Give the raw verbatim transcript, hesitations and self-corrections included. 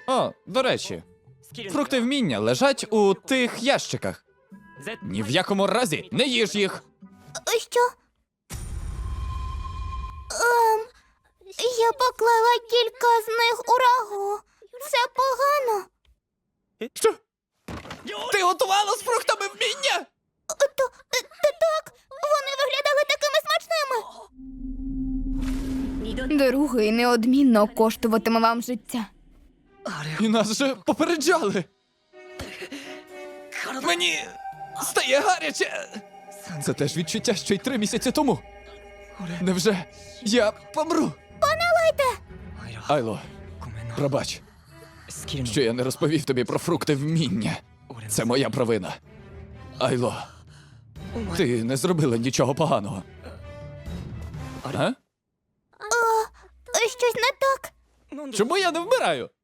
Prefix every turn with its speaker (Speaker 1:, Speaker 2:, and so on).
Speaker 1: О, до речі, фрукти вміння лежать у тих ящиках. Ні в якому разі не їж їх.
Speaker 2: Що? Ем, я поклала кілька з них у рагу. Це погано.
Speaker 1: Що? Ти готувала з фруктами вміння?
Speaker 2: То, то так, вони виглядали такими смачними. Другий неодмінно коштуватиме вам життя.
Speaker 1: І нас же попереджали. Мені стає гаряче. Це теж відчуття, що й три місяці тому. Невже я помру?
Speaker 2: Пане Лайте!
Speaker 1: Айло, пробач, що я не розповів тобі про фрукти вміння. Це моя провина. Айло, ти не зробила нічого поганого. А?
Speaker 2: Щось не так.
Speaker 1: Чому я не вмираю?